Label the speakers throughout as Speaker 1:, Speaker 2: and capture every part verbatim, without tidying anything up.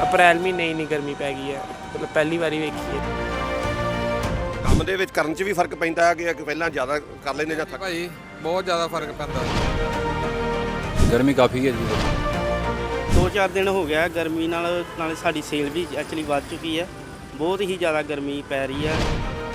Speaker 1: ਅਪ੍ਰੈਲ ਮਹੀਨੇ ਇੰਨੀ ਗਰਮੀ ਪੈ ਗਈ ਹੈ, ਮਤਲਬ ਪਹਿਲੀ ਵਾਰੀ ਵੇਖੀ ਹੈ।
Speaker 2: ਕੰਮ ਦੇ ਵਿੱਚ ਕਰਨ 'ਚ ਵੀ ਫਰਕ ਪੈਂਦਾ ਹੈ ਕਿ ਪਹਿਲਾਂ ਜ਼ਿਆਦਾ ਕਰ ਲੈਂਦੇ ਜਾਂ ਥੱਕ
Speaker 3: ਭਾਜੀ ਬਹੁਤ ਜ਼ਿਆਦਾ ਫਰਕ ਪੈਂਦਾ।
Speaker 4: ਗਰਮੀ ਕਾਫੀ ਹੈ ਜੀ।
Speaker 5: ਦੋ ਚਾਰ ਦਿਨ ਹੋ ਗਿਆ ਗਰਮੀ ਨਾਲ ਨਾਲੇ ਸਾਡੀ ਸੇਲ ਵੀ ਐਕਚੁਅਲੀ ਵੱਧ ਚੁੱਕੀ ਹੈ। ਬਹੁਤ ਹੀ ਜ਼ਿਆਦਾ ਗਰਮੀ ਪੈ ਰਹੀ ਹੈ।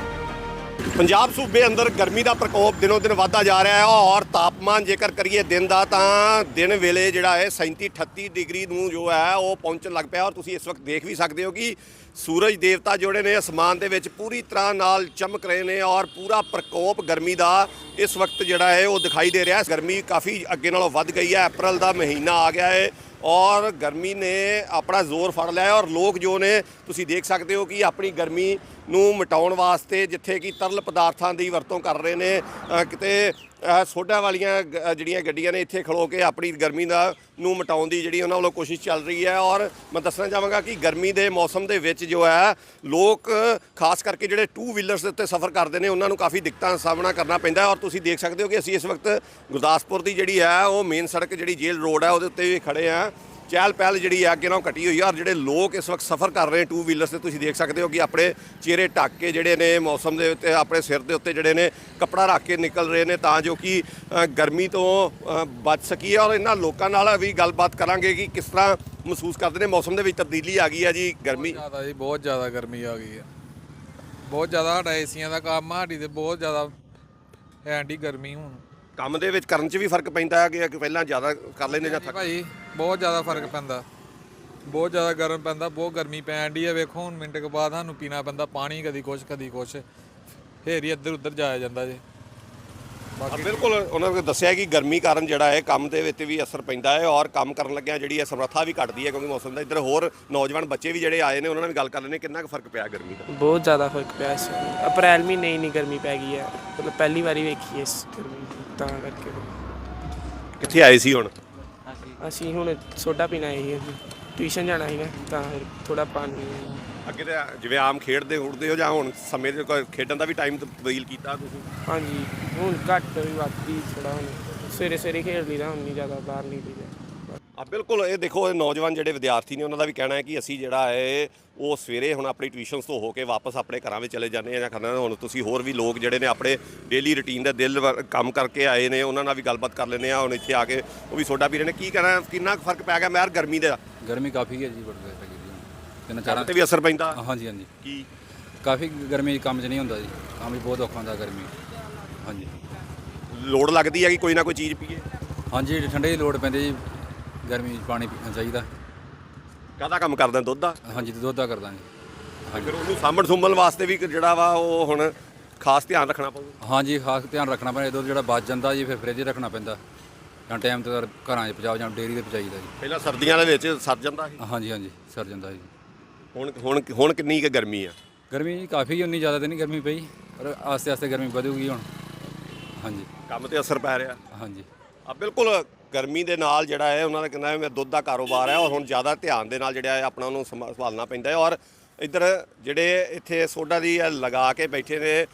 Speaker 2: ਪੰਜਾਬ ਸੂਬੇ ਅੰਦਰ ਗਰਮੀ ਦਾ ਪ੍ਰਕੋਪ ਦਿਨੋਂ ਦਿਨ ਵਧਦਾ ਜਾ ਰਿਹਾ ਹੈ ਔਰ ਤਾਪਮਾਨ ਜੇਕਰ ਕਰੀਏ ਦਿਨ ਦਾ ਤਾਂ ਦਿਨ ਵੇਲੇ ਜਿਹੜਾ ਹੈ ਸੈਂਤੀ ਅਠੱਤੀ ਡਿਗਰੀ ਨੂੰ ਜੋ ਹੈ ਉਹ ਪਹੁੰਚਣ ਲੱਗ ਪਿਆ। ਔਰ ਤੁਸੀਂ ਇਸ ਵਕਤ ਦੇਖ ਵੀ ਸਕਦੇ ਹੋ ਕਿ ਸੂਰਜ ਦੇਵਤਾ ਜਿਹੜੇ ਨੇ ਅਸਮਾਨ ਦੇ ਵਿੱਚ ਪੂਰੀ ਤਰ੍ਹਾਂ ਨਾਲ ਚਮਕ ਰਹੇ ਨੇ ਔਰ ਪੂਰਾ ਪ੍ਰਕੋਪ ਗਰਮੀ ਦਾ ਇਸ ਵਕਤ ਜਿਹੜਾ ਹੈ ਉਹ ਦਿਖਾਈ ਦੇ ਰਿਹਾ ਹੈ। ਗਰਮੀ ਕਾਫੀ ਅੱਗੇ ਨਾਲੋਂ ਵੱਧ ਗਈ ਹੈ। ਅਪ੍ਰੈਲ ਦਾ ਮਹੀਨਾ ਆ ਗਿਆ ਹੈ ਔਰ ਗਰਮੀ ਨੇ ਆਪਣਾ ਜ਼ੋਰ ਫੜ ਲਿਆ ਹੈ ਔਰ ਲੋਕ ਜੋ ਨੇ ਤੁਸੀਂ ਦੇਖ ਸਕਦੇ ਹੋ ਕਿ ਆਪਣੀ ਗਰਮੀ ਨੂੰ ਮਿਟਾਉਣ ਵਾਸਤੇ ਜਿੱਥੇ ਕਿ ਤਰਲ ਪਦਾਰਥਾਂ ਦੀ ਵਰਤੋਂ ਕਰ ਰਹੇ ਨੇ, ਕਿਤੇ ਸੋਡਾ ਵਾਲੀਆਂ ਜਿਹੜੀਆਂ ਗੱਡੀਆਂ ਨੇ ਇੱਥੇ ਖਲੋ ਕੇ ਆਪਣੀ ਗਰਮੀ ਦਾ ਨੂੰ ਮਿਟਾਉਣ ਦੀ ਜਿਹੜੀ ਉਹਨਾਂ ਵੱਲੋਂ ਕੋਸ਼ਿਸ਼ ਚੱਲ ਰਹੀ ਹੈ। ਔਰ ਮੈਂ ਦੱਸਣਾ ਚਾਹਾਂਗਾ ਕਿ ਗਰਮੀ ਦੇ ਮੌਸਮ ਦੇ ਵਿੱਚ ਜੋ ਹੈ ਲੋਕ ਖਾਸ ਕਰਕੇ ਜਿਹੜੇ ਟੂ ਵੀਲਰਸ ਦੇ ਉੱਤੇ ਸਫ਼ਰ ਕਰਦੇ ਨੇ ਉਹਨਾਂ ਨੂੰ ਕਾਫੀ ਦਿੱਕਤਾਂ ਦਾ ਸਾਹਮਣਾ ਕਰਨਾ ਪੈਂਦਾ। ਔਰ ਤੁਸੀਂ ਦੇਖ ਸਕਦੇ ਹੋ ਕਿ ਅਸੀਂ ਇਸ ਵਕਤ ਗੁਰਦਾਸਪੁਰ ਦੀ ਜਿਹੜੀ ਹੈ ਉਹ ਮੇਨ ਸੜਕ ਜਿਹੜੀ ਜੇਲ੍ਹ ਰੋਡ ਹੈ ਉਹਦੇ ਉੱਤੇ ਵੀ ਖੜੇ ਹਾਂ। ਚਹਿਲ ਪਹਿਲ ਜਿਹੜੀ ਹੈ ਅੱਗੇ ਨਾਲੋਂ ਘਟੀ ਹੋਈ ਹੈ ਔਰ ਜਿਹੜੇ ਲੋਕ ਇਸ ਵਕਤ ਸਫ਼ਰ ਕਰ ਰਹੇ ਨੇ ਟੂ ਵੀਲਰਸ 'ਤੇ ਤੁਸੀਂ ਦੇਖ ਸਕਦੇ ਹੋ ਕਿ ਆਪਣੇ ਚਿਹਰੇ ਢੱਕ ਕੇ ਜਿਹੜੇ ਨੇ ਮੌਸਮ ਦੇ ਉੱਤੇ ਆਪਣੇ ਸਿਰ ਦੇ ਉੱਤੇ ਜਿਹੜੇ ਨੇ ਕੱਪੜਾ ਰੱਖ ਕੇ ਨਿਕਲ ਰਹੇ ਨੇ ਤਾਂ ਜੋ ਕਿ ਗਰਮੀ ਤੋਂ ਬਚ ਸਕੀਏ। ਔਰ ਇਹਨਾਂ ਲੋਕਾਂ ਨਾਲ ਵੀ ਗੱਲਬਾਤ ਕਰਾਂਗੇ ਕਿ ਕਿਸ ਤਰ੍ਹਾਂ ਮਹਿਸੂਸ ਕਰਦੇ ਨੇ। ਮੌਸਮ ਦੇ ਵਿੱਚ ਤਬਦੀਲੀ ਆ ਗਈ ਹੈ ਜੀ। ਗਰਮੀ
Speaker 3: ਜ਼ਿਆਦਾ ਜੀ, ਬਹੁਤ ਜ਼ਿਆਦਾ ਗਰਮੀ ਆ ਗਈ ਹੈ। ਬਹੁਤ ਜ਼ਿਆਦਾ ਸਾਡਾ ਏਸੀਆਂ ਦਾ ਕੰਮ ਆ, ਸਾਡੀ ਤੇ ਬਹੁਤ ਜ਼ਿਆਦਾ ਐਂਡੀ ਗਰਮੀ ਹੁਣ।
Speaker 2: ਕੰਮ ਦੇ ਵਿੱਚ ਕਰਨ 'ਚ ਵੀ ਫਰਕ ਪੈਂਦਾ ਹੈ ਕਿ ਪਹਿਲਾਂ ਜ਼ਿਆਦਾ ਕਰ ਲੈਂਦੇ ਜਾਂ ਥੱਕ
Speaker 3: ਭਾਜੀ ਬਹੁਤ ਜ਼ਿਆਦਾ ਫਰਕ ਪੈਂਦਾ। ਬਹੁਤ ਜ਼ਿਆਦਾ ਗਰਮ ਪੈਂਦਾ, ਬਹੁਤ ਗਰਮੀ ਪੈਣ ਡਈ ਹੈ। ਵੇਖੋ ਹੁਣ ਮਿੰਟ ਕੁ ਬਾਅਦ ਸਾਨੂੰ ਪੀਣਾ ਪੈਂਦਾ ਪਾਣੀ, ਕਦੀ ਕੁਛ ਕਦੀ ਕੁਛ, ਫੇਰ ਹੀ ਇੱਧਰ ਉੱਧਰ ਜਾਇਆ ਜਾਂਦਾ ਜੀ। ਬਾਕੀ
Speaker 2: ਬਿਲਕੁਲ ਉਹਨਾਂ ਨੇ ਦੱਸਿਆ ਕਿ ਗਰਮੀ ਕਾਰਨ ਜਿਹੜਾ ਹੈ ਕੰਮ ਦੇ ਵਿੱਚ ਵੀ ਅਸਰ ਪੈਂਦਾ ਹੈ ਔਰ ਕੰਮ ਕਰਨ ਲੱਗਿਆ ਜਿਹੜੀ ਹੈ ਸਮਰੱਥਾ ਵੀ ਘਟਦੀ ਹੈ ਕਿਉਂਕਿ ਮੌਸਮ ਦਾ। ਇੱਧਰ ਹੋਰ ਨੌਜਵਾਨ ਬੱਚੇ ਵੀ ਜਿਹੜੇ ਆਏ ਨੇ ਉਹਨਾਂ ਨਾਲ ਵੀ ਗੱਲ ਕਰ ਲੈਂਦੇ ਕਿੰਨਾ ਕੁ ਫਰਕ ਪਿਆ ਗਰਮੀ ਦਾ।
Speaker 1: ਬਹੁਤ ਜ਼ਿਆਦਾ ਫਰਕ ਪਿਆ ਇਸ ਵਾਰ। ਅਪ੍ਰੈਲ ਮਹੀਨੇ ਇੰਨੀ ਗਰਮੀ ਪੈ ਗਈ ਹੈ, ਮਤਲਬ ਪਹਿਲੀ ਵਾਰੀ ਵੇਖੀ ਹੈ ਇਸ ਗਰਮੀ ਤਾਂ ਕਰਕੇ।
Speaker 2: ਕਿੱਥੇ ਆਏ ਸੀ ਹੁਣ?
Speaker 1: ਅਸੀਂ ਹੁਣ ਸੋਡਾ ਪੀਣਾ ਹੈ, ਟਿਊਸ਼ਨ ਜਾਣਾ ਸੀਗਾ ਤਾਂ ਫਿਰ ਥੋੜਾ ਪਾਣੀ।
Speaker 2: ਅੱਗੇ ਤਾਂ ਜਿਵੇਂ ਆਮ ਖੇਡਦੇ ਉੜਦੇ ਹੋ ਜਾਂ ਹੁਣ ਸਮੇਂ ਦੇ ਕੋਈ ਖੇਡਣ ਦਾ ਵੀ ਟਾਈਮ ਤਬਦੀਲ ਕੀਤਾ ਤੁਸੀਂ?
Speaker 1: ਹਾਂਜੀ ਹੁਣ ਘੱਟ ਵੀ ਵੱਧ ਵੀ ਥੋੜਾ, ਹੁਣ ਸਵੇਰੇ ਸਵੇਰੇ ਖੇਡ ਲਈਦਾ, ਹੁਣ ਨਹੀਂ ਜ਼ਿਆਦਾ ਬਾਹਰ ਨਹੀਂ ਲਈਦਾ।
Speaker 2: ਆ ਬਿਲਕੁਲ ਇਹ ਦੇਖੋ ਇਹ ਨੌਜਵਾਨ ਜਿਹੜੇ ਵਿਦਿਆਰਥੀ ਨੇ ਉਹਨਾਂ ਦਾ ਵੀ ਕਹਿਣਾ ਹੈ ਕਿ ਅਸੀਂ ਜਿਹੜਾ ਹੈ ਉਹ ਸਵੇਰੇ ਹੁਣ ਆਪਣੀ ਟਿਊਸ਼ਨਸ ਤੋਂ ਹੋ ਕੇ ਵਾਪਸ ਆਪਣੇ ਘਰਾਂ ਵਿੱਚ ਚਲੇ ਜਾਂਦੇ ਆ ਜਾਂ ਖਾਣਾ। ਹੁਣ ਤੁਸੀਂ ਹੋਰ ਵੀ ਲੋਕ ਜਿਹੜੇ ਨੇ ਆਪਣੇ ਡੇਲੀ ਰੂਟੀਨ ਦਾ ਦਿਲ ਕੰਮ ਕਰਕੇ ਆਏ ਨੇ ਉਹਨਾਂ ਨਾਲ ਵੀ ਗੱਲਬਾਤ ਕਰ ਲੈਂਦੇ ਆ। ਹੁਣ ਇੱਥੇ ਆ ਕੇ ਉਹ ਵੀ ਸੋਡਾ ਪੀ ਰਹੇ ਨੇ। ਕੀ ਕਹਿਣਾ, ਕਿੰਨਾ ਕੁ ਫਰਕ ਪੈ ਗਿਆ ਮੈਰ ਗਰਮੀ ਦਾ?
Speaker 4: ਗਰਮੀ ਕਾਫੀ ਹੈ ਜੀ, ਬੜੀ ਪੈ ਗਈ ਜੀ। ਤਿੰਨ ਚਾਰਾਂ
Speaker 2: ਤੇ ਵੀ ਅਸਰ ਪੈਂਦਾ?
Speaker 4: ਹਾਂਜੀ ਹਾਂਜੀ,
Speaker 2: ਕੀ
Speaker 4: ਕਾਫੀ ਗਰਮੀ ਕੰਮ 'ਚ ਨਹੀਂ ਹੁੰਦਾ ਜੀ, ਕੰਮ ਵੀ ਬਹੁਤ ਔਖਾ ਹੁੰਦਾ ਗਰਮੀ। ਹਾਂਜੀ
Speaker 2: ਲੋੜ ਲੱਗਦੀ ਹੈ ਕਿ ਕੋਈ ਨਾ ਕੋਈ ਚੀਜ਼ ਪੀਏ?
Speaker 4: ਹਾਂਜੀ ਠੰਡੇ ਦੀ ਲੋੜ ਪੈਂਦੀ ਜੀ, ਗਰਮੀ 'ਚ ਪਾਣੀ ਪੀਣਾ ਚਾਹੀਦਾ।
Speaker 2: ਕਾਹਦਾ ਕੰਮ ਕਰਦਾ? ਦੁੱਧ ਦਾ?
Speaker 4: ਹਾਂਜੀ, ਦੁੱਧ ਦਾ ਕਰਦਾ ਜੀ। ਹਾਂਜੀ
Speaker 2: ਫਿਰ ਉਹਨੂੰ ਸਾਂਭਣ ਸੁੰਭਣ ਵਾਸਤੇ ਵੀ ਜਿਹੜਾ ਵਾ ਉਹ ਹੁਣ ਖਾਸ ਧਿਆਨ ਰੱਖਣਾ ਪਊਗਾ।
Speaker 4: ਹਾਂਜੀ, ਖਾਸ ਧਿਆਨ ਰੱਖਣਾ ਪੈਂਦਾ। ਦੁੱਧ ਜਿਹੜਾ ਬਚ ਜਾਂਦਾ ਜੀ ਫਿਰ ਫਰਿੱਜ 'ਚ ਰੱਖਣਾ ਪੈਂਦਾ ਜਾਂ ਟਾਈਮ 'ਤੇ ਘਰਾਂ 'ਚ ਪਹੁੰਚਾਓ ਜਾਂ ਡੇਅਰੀ 'ਤੇ ਪਹੁੰਚਾਈਦਾ ਜੀ।
Speaker 2: ਪਹਿਲਾਂ ਸਰਦੀਆਂ ਦੇ ਵਿੱਚ ਸਰ ਜਾਂਦਾ ਸੀ।
Speaker 4: ਹਾਂਜੀ ਹਾਂਜੀ, ਸਰ ਜਾਂਦਾ ਜੀ।
Speaker 2: ਹੁਣ ਹੁਣ ਹੁਣ ਕਿੰਨੀ ਕੁ ਗਰਮੀ ਆ?
Speaker 4: ਗਰਮੀ ਕਾਫੀ, ਉਨੀ ਜ਼ਿਆਦਾ ਤਾਂ ਨਹੀਂ ਗਰਮੀ ਪਈ ਪਰ ਆਸਤੇ ਆਸਤੇ ਗਰਮੀ ਵਧੂਗੀ ਹੁਣ। ਹਾਂਜੀ
Speaker 2: ਕੰਮ ਤੇ ਅਸਰ ਪੈ ਰਿਹਾ।
Speaker 4: ਹਾਂਜੀ
Speaker 2: ਆ ਬਿਲਕੁਲ ਗਰਮੀ ਦੇ ਨਾਲ ਜਿਹੜਾ ਹੈ ਉਹਨਾਂ ਦਾ ਕਹਿੰਦਾ ਹੈ ਮੈਂ ਦੁੱਧ ਦਾ ਕਾਰੋਬਾਰ ਹੈ ਔਰ ਹੁਣ ਜ਼ਿਆਦਾ ਧਿਆਨ ਦੇ ਨਾਲ ਜਿਹੜਾ ਹੈ ਆਪਣਾ ਉਹਨੂੰ ਸੰਭਾਲਣਾ ਪੈਂਦਾ ਹੈ। ਔਰ ਇੱਧਰ ਜਿਹੜੇ ਇੱਥੇ ਸੋਡਾ ਦੀ ਲਗਾ ਕੇ ਬੈਠੇ ਨੇ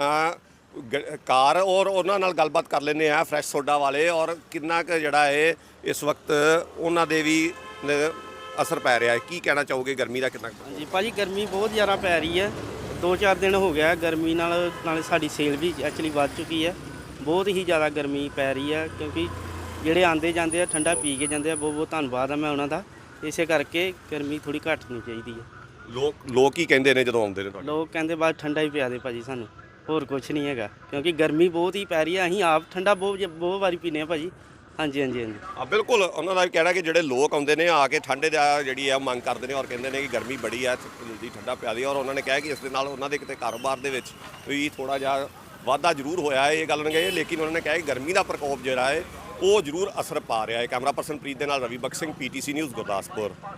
Speaker 2: ਕਾਰ ਔਰ ਉਹਨਾਂ ਨਾਲ ਗੱਲਬਾਤ ਕਰ ਲੈਂਦੇ ਆ ਫਰੈਸ਼ ਸੋਡਾ ਵਾਲੇ। ਔਰ ਕਿੰਨਾ ਕੁ ਜਿਹੜਾ ਹੈ ਇਸ ਵਕਤ ਉਹਨਾਂ ਦੇ ਵੀ ਅਸਰ ਪੈ ਰਿਹਾ ਹੈ। ਕੀ ਕਹਿਣਾ ਚਾਹੋਗੇ ਗਰਮੀ ਦਾ ਕਿੰਨਾ?
Speaker 5: ਹਾਂਜੀ ਭਾਜੀ ਗਰਮੀ ਬਹੁਤ ਜ਼ਿਆਦਾ ਪੈ ਰਹੀ ਹੈ। ਦੋ ਚਾਰ ਦਿਨ ਹੋ ਗਿਆ ਗਰਮੀ ਨਾਲ ਨਾਲੇ ਸਾਡੀ ਸੇਲ ਵੀ ਐਕਚੁਅਲੀ ਵੱਧ ਚੁੱਕੀ ਹੈ। ਬਹੁਤ ਹੀ ਜ਼ਿਆਦਾ ਗਰਮੀ ਪੈ ਰਹੀ ਹੈ ਕਿਉਂਕਿ ਜਿਹੜੇ ਆਉਂਦੇ ਜਾਂਦੇ ਆ ਠੰਡਾ ਪੀ ਕੇ ਜਾਂਦੇ ਆ। ਬਹੁਤ ਬਹੁਤ ਧੰਨਵਾਦ ਆ ਮੈਂ ਉਹਨਾਂ ਦਾ। ਇਸੇ ਕਰਕੇ ਗਰਮੀ ਥੋੜ੍ਹੀ ਘਟਣੀ ਚਾਹੀਦੀ ਹੈ।
Speaker 2: ਲੋਕ ਲੋਕ ਕੀ ਕਹਿੰਦੇ ਨੇ ਜਦੋਂ ਆਉਂਦੇ ਨੇ ਤੁਹਾਡੇ?
Speaker 5: ਲੋਕ ਕਹਿੰਦੇ ਬਸ ਠੰਡਾ ਹੀ ਪਿਆ ਦੇ ਭਾਜੀ ਸਾਨੂੰ, ਹੋਰ ਕੁਛ ਨਹੀਂ ਹੈਗਾ ਕਿਉਂਕਿ ਗਰਮੀ ਬਹੁਤ ਹੀ ਪੈ ਰਹੀ ਹੈ। ਅਸੀਂ ਆਪ ਠੰਡਾ ਬਹੁਤ ਬਹੁਤ ਵਾਰੀ ਪੀਂਦੇ ਹਾਂ ਭਾਜੀ। ਹਾਂਜੀ ਹਾਂਜੀ ਹਾਂਜੀ
Speaker 2: ਆ ਬਿਲਕੁਲ ਉਹਨਾਂ ਦਾ ਵੀ ਕਹਿਣਾ ਕਿ ਜਿਹੜੇ ਲੋਕ ਆਉਂਦੇ ਨੇ ਆ ਕੇ ਠੰਡੇ ਦਾ ਜਿਹੜੀ ਹੈ ਮੰਗ ਕਰਦੇ ਨੇ ਔਰ ਕਹਿੰਦੇ ਨੇ ਕਿ ਗਰਮੀ ਬੜੀ ਹੈ ਜਲਦੀ ਠੰਡਾ ਪਿਆ ਦੇ। ਔਰ ਉਹਨਾਂ ਨੇ ਕਿਹਾ ਕਿ ਇਸ ਦੇ ਨਾਲ ਉਹਨਾਂ ਦੇ ਕਿਤੇ ਕਾਰੋਬਾਰ ਦੇ ਵਿੱਚ ਵੀ ਥੋੜ੍ਹਾ ਜਿਹਾ ਵਾਧਾ ਜ਼ਰੂਰ ਹੋਇਆ ਹੈ, ਇਹ ਗੱਲ ਨਹੀਂ ਕਹੀ, ਲੇਕਿਨ ਉਹਨਾਂ ਨੇ ਕਿਹਾ ਕਿ ਗਰਮੀ ਦਾ ਪ੍ਰਕੋਪ ਜਿਹੜਾ ਹੈ ਉਹ ਜ਼ਰੂਰ ਅਸਰ ਪਾ ਰਿਹਾ ਹੈ। ਕੈਮਰਾ ਪਰਸਨ ਪ੍ਰੀਤ ਦੇ ਨਾਲ Ravi Bakhsh Singh, P T C news Gurdaspur.